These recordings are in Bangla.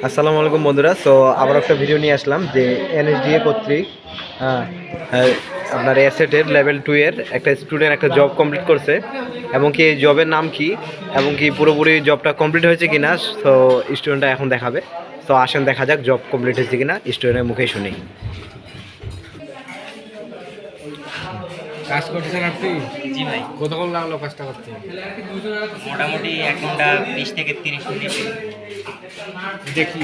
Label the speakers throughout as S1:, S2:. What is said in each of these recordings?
S1: আসসালামু আলাইকুম বন্ধুরা। সো আবার একটা ভিডিও নিয়ে আসলাম যে এনএসডিএ কর্তৃক আপনার এসেটের লেভেল 2 এর একটা স্টুডেন্ট একটা জব কমপ্লিট করছে এবং কি এই জবের নাম কি এবং কি পুরোপুরি জবটা কমপ্লিট হয়েছে কিনা সো স্টুডেন্টটা এখন দেখাবে। সো আসেন দেখা যাক জব কমপ্লিট হয়েছে কিনা স্টুডেন্টের মুখেই শুনি।
S2: কাজ করছেন আপনি?
S3: জি ভাই,
S2: কতক্ষণ লাগলো কাজটা করতে?
S3: মোটামুটি 1 ঘন্টা 20 থেকে 30 মিনিট।
S2: দেখি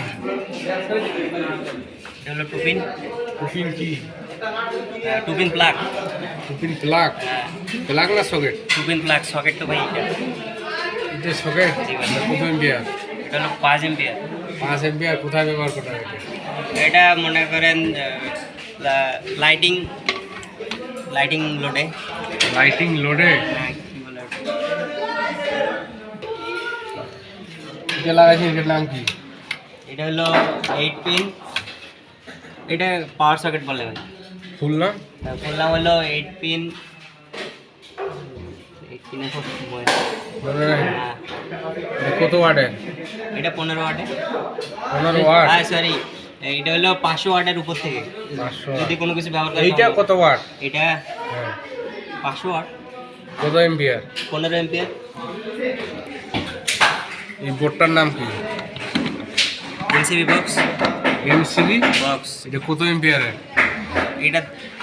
S3: এটা হলো টুপিন
S2: টুপিন কি?
S3: Two pin plug.
S2: Two pin plug? Plug না সকেট?
S3: টুপিন প্লাগ সকেট তো ভাই
S2: এটা সকেট?
S3: জি ভাই।
S2: কত এম্পিয়ার?
S3: এটা হলো 5 এম্পিয়ার।
S2: 5 এম্পিয়ার কোথায় ব্যবহার করা হয়?
S3: এটা মনে করেন লাইটিং লোডে।
S2: লাইটিং লোডে?
S3: কি বলে ওটা?
S2: এটা লাগাইছেন, এটার নাম কি?
S3: এটা হলো 8 পিন। এটা পাওয়ার সকেট বলে ভাই।
S2: ফুল নাম?
S3: ফুল নাম হলো 8 পিন। 8 পিনের
S2: মনে নাই? এটা কত ওয়াটের?
S3: এটা 15 ওয়াটে।
S2: 15 ওয়াট?
S3: হ্যাঁ সরি, এটা হলো 500 ওয়াটের উপর থেকে
S2: 500
S3: যদি কোনো কিছু ব্যবহার করা
S2: এইটা কত ওয়াট?
S3: এটা
S2: হ্যাঁ।
S3: 500 ওয়াট।
S2: কত এম্পিয়ার?
S3: 15 এম্পিয়ার।
S2: এই বোর্ডটার নাম কি?
S3: NCB box.
S2: MCB
S3: box.
S2: এটা কত এম্পিয়ারের?
S3: এটা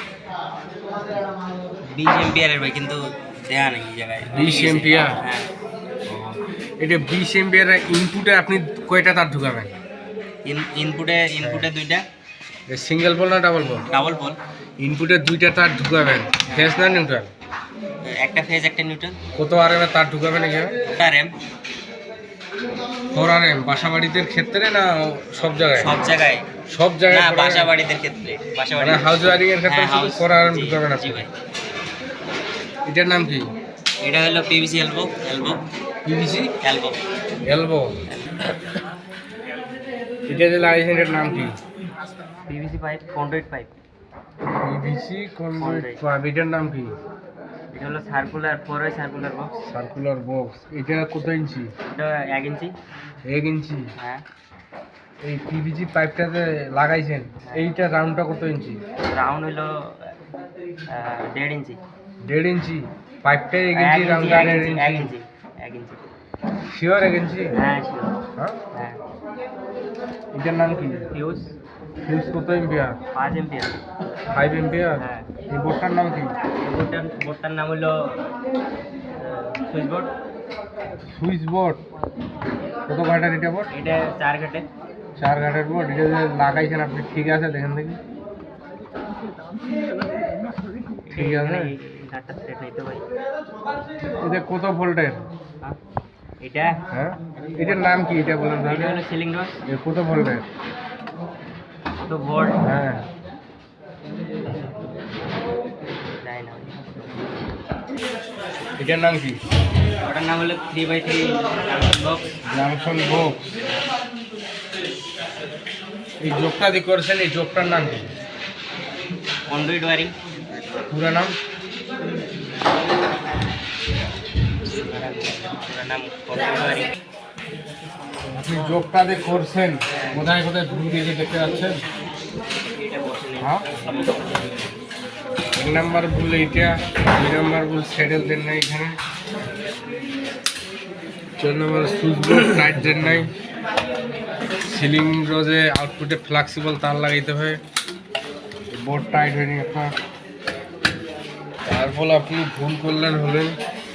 S3: 20 এম্পিয়ারের ভাই, কিন্তু দেয়া নেই এই জায়গায়।
S2: 20 এম্পিয়ার?
S3: হ্যাঁ।
S2: এটা 20 এম্পিয়ারের ইনপুটে আপনি কয়টা তার ঢুকাবেন?
S3: ইনপুটে দুইটা।
S2: সিঙ্গেল পোল না ডাবল পোল?
S3: Double pole.
S2: ইনপুটে দুইটা তার ঢুকাবেন, ফেজ না নিউট্রাল?
S3: একটা ফেজ একটা নিউট্রাল।
S2: কত আরএম এর তার ঢুকাবেন এখানে?
S3: তার এম
S2: 4 আরএম বাসাবাড়িদের ক্ষেত্রে না সব জায়গায়?
S3: সব জায়গায়।
S2: সব জায়গায়
S3: না,
S2: 4
S3: বাসা
S2: RM?
S3: বাড়িদের ক্ষেত্রে। বাসা
S2: মানে
S3: বাড়ি।
S2: হাউস ওয়ারিং এর ক্ষেত্রে
S3: হ্যাঁ,
S2: শুধু
S3: house।
S2: 4 আরএম
S3: জি,
S2: ঢুকাবেন
S3: জি
S2: আপনি?
S3: ভাই।
S2: এটার নাম কি?
S3: এটা হলো PVC elbow.
S2: PVC
S3: elbow.
S2: Elbow? এটা যে লাগাইছেন এটার নাম কি?
S3: PVC pipe, conduit pipe.
S2: PVC conduit pipe. এটার নাম কি?
S3: এটা হলো circular 4 circular box.
S2: Circular box. এটা কত ইঞ্চি?
S3: এটা 1 ইঞ্চি।
S2: 1 ইঞ্চি?
S3: হ্যাঁ।
S2: এই পিভিসি পাইপটাতে লাগাইছেন, এইটা রাউন্ডটা কত ইঞ্চি?
S3: রাউন্ড হলো 1.5 ইঞ্চি।
S2: 1.5 ইঞ্চি? পাইপটা 1 ইঞ্চি, রাউন্ডটা 1.5 ইঞ্চি?
S3: 1 ইঞ্চি। 1 ইঞ্চি।
S2: শিওর 1 ইঞ্চি?
S3: হ্যাঁ শিওর।
S2: হ্যাঁ।
S3: হ্যাঁ।
S2: এটার নাম কি?
S3: ফিউজ
S2: ফিউজ কত এম্পিয়ার?
S3: 5 এম্পিয়ার।
S2: 5 এম্পিয়ার?
S3: হ্যাঁ।
S2: এই বোর্ডটার নাম কি?
S3: বোর্ডটার নাম হলো সুইচ বোর্ড।
S2: Switch board? কত ঘাটের এটা বোর্ড?
S3: এটা 4 ঘাটে।
S2: 4 ঘাটের বোর্ড। এটা যে লাগাইছেন আপনি ঠিক আছে? দেখেন দেখি। ঠিক আছে?
S3: ঘাটটা সেট নাই তো ভাই।
S2: এটা কত ভোল্টের?
S3: এটা
S2: হ্যাঁ, এটার নাম কি এটা বলেন
S3: এটা
S2: তাহলে?
S3: হলো সিলিং রড।
S2: এ কত ভোল্টের?
S3: কত ভোল্ট
S2: হ্যাঁ।
S3: জানি না ভাই।
S2: এটার নাম কি?
S3: ওটার নাম হলো 3x3 বক্স।
S2: Junction box. এই জোকটা দিয়ে করেছেন, এই জোকটার নাম কি?
S3: Conduit wiring.
S2: পুরো নাম?
S3: ওটার নাম কন্ডুইট ওয়ারিং।
S2: আপনি জোকটা দিয়ে করছেন, কোথায় কোথায় ভুল দিয়েছে দেখতে পাচ্ছেন?
S3: এটা বসে নেই।
S2: হ্যাঁ। 1 নাম্বার ভুল এইটা, 2 নাম্বার ভুল সেটেল দেন নাই এখানে, 4 নাম্বার সুইচ বোর্ড টাইট দেন নাই, সিলিং রোজে আউটপুটে ফ্লেক্সিবল তার লাগাইতে হয়, বোর্ড টাইট হয়নি আপনার, তার ফলে আপনি ভুল করলেন হলেন।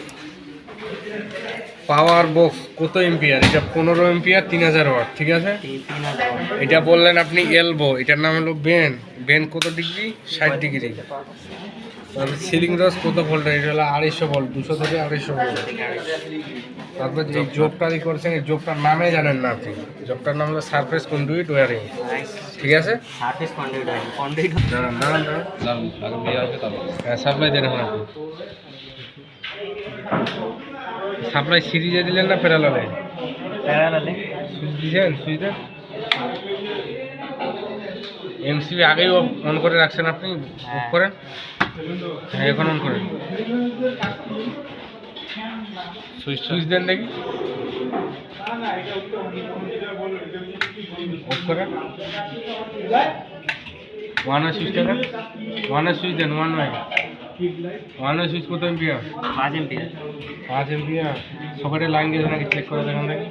S2: পাওয়ার বক্স কত এম্পিয়ার? এটা 15 এম্পিয়ার 3000 ওয়াট, ঠিক আছে?
S3: 3000 ওয়াট।
S2: এটা বললেন আপনি এলবো, এটার নাম হলো বেন। বেন কত ডিগ্রি? 60 ডিগ্রি। তাহলে সিলিং রস কত ভোল্টের? এটা হলো 250 ভোল্ট, 200 থেকে 250 ভোল্ট। তারপর যে জবটা দিয়ে করছেন, এই জবটার নামে জানেন না আপনি? জবটার নাম হলো সারফেস কন্ডুইট ওয়ারিং, ঠিক আছে?
S3: Surface conduit wiring. কন্ডুইট
S2: দাঁড়ান দাঁড়ান দাঁড়ান, হ্যাঁ সাপ্লাই দেন এখন আপনি। সাপ্লাই সিরিজে দিলেন না প্যারালালে?
S3: প্যারালালে।
S2: সুইচ দিয়েছেন? সুইচ দেন। এমসিবি আগেই অন করে রাখছেন আপনি? অফ করেন। হ্যাঁ এখন অন করেন। সুইচ দেন দেখি। অফ করেন। ওয়ানের সুইচ দেন, ওয়ানের সুইচ দেন, ওয়ানের সুইচ কত এম্পিয়ার?
S3: 5 এম্পিয়ার।
S2: 5 এম্পিয়ার। সকেটে লাইন গেছে নাকি চেক করে দেখেন দেখি।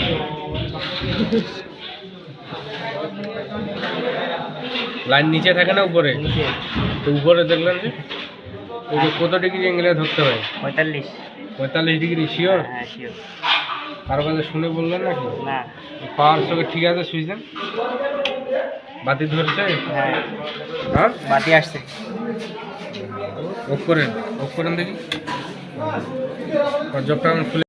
S2: লাইন নিচে থাকে না উপরে?
S3: নিচে
S2: তো উপরে দেখলেন যে ওই যে কত ডিগ্রি অ্যাঙ্গেলে ধরতে হয়?
S3: 45।
S2: 45 ডিগ্রি শিওর?
S3: হ্যাঁ শিওর।
S2: কারো কাছে শুনে বললেন নাকি?
S3: না।
S2: পাওয়ার সকেট ঠিক আছে, সুইচ দেন। বাতি ধরছে?
S3: হ্যাঁ
S2: হ্যাঁ,
S3: বাতি আসছে।
S2: অফ করেন, অফ করেন দেখি। জবটা এখন খুলে